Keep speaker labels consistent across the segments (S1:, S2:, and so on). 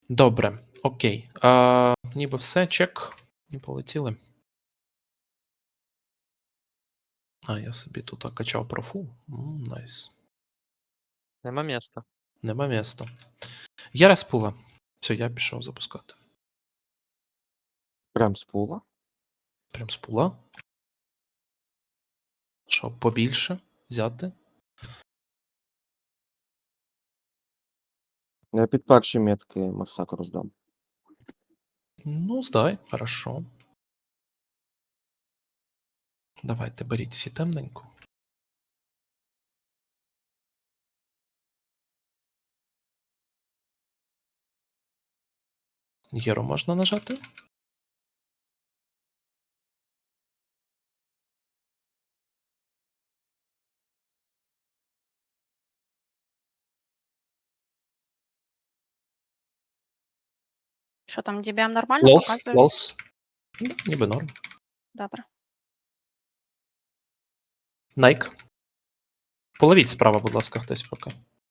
S1: Добре, окей. Ніби все, чек. І полетіли. Я собі тут качав профу. Найс.
S2: Нема міста.
S1: Нема міста. Є респула. Все, я пішов запускати.
S3: Прям з пула.
S1: Прям з пула. Що, побільше взяти?
S3: Я під перші метки масакру здам.
S1: Ну, здай, хорошо. Давайте, беріть всі темненько. Єру можна нажати?
S4: Що там, DBM нормально
S1: Лолс,
S4: показує?
S1: лолс. Ніби норм.
S4: Добре.
S1: Найк. Половіть справа, будь ласка, хтось поки.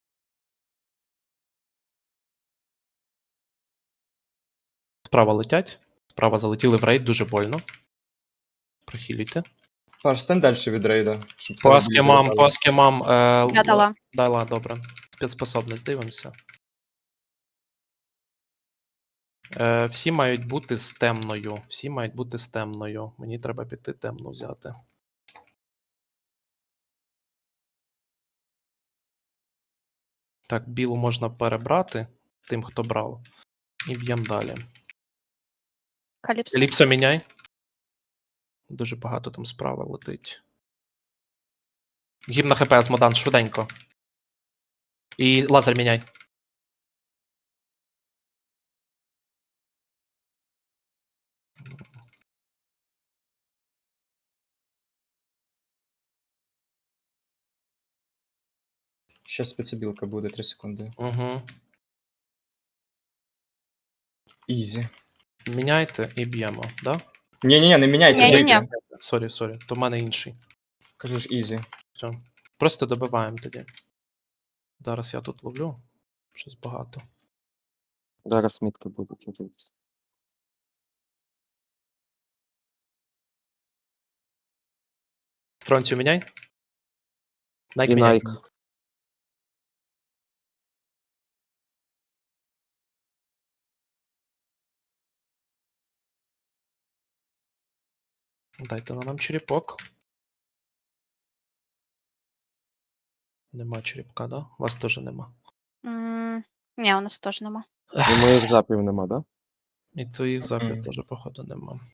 S1: Справа летять. Справа залетіли в рейд, дуже больно. Прохилюйте.
S5: Паш, стань далі від рейда. Щоб
S1: Паски мам.
S4: Я дала.
S1: Дала, добре. Спецспособність, дивимося. Всі мають бути з темною. Всі мають бути з темною. Мені треба піти темну взяти. Так, білу можна перебрати тим, хто брав. І б'ємо далі.
S4: Каліпсо.
S1: Еліпсо міняй. Дуже багато там справа летить. Гімн на ХП з Модан, швиденько. І лазер міняй.
S5: Ще спецобілка буде 3 секунди.
S1: Угу.
S5: Ізі.
S1: Міняйте і б'ємо, да?
S5: Ні, не міняйте,
S4: Ні-ні-ні.
S5: бийте.
S1: Сорі. То в мене інший.
S5: Кажу ж ізі.
S1: Все. Просто добиваємо тоді. Зараз я тут ловлю. Щось багато.
S3: Зараз мітки будуть дивитися.
S1: Стронцію міняй. Найк
S3: І
S1: міняй.
S3: Найк.
S1: Дайте на нам черепок. Нема черепка, да? У вас теж нема.
S4: Ні, у нас теж нема.
S3: І моїх запів нема, да?
S1: І твоїх запів
S5: Мгм.
S1: теж, походу, нема.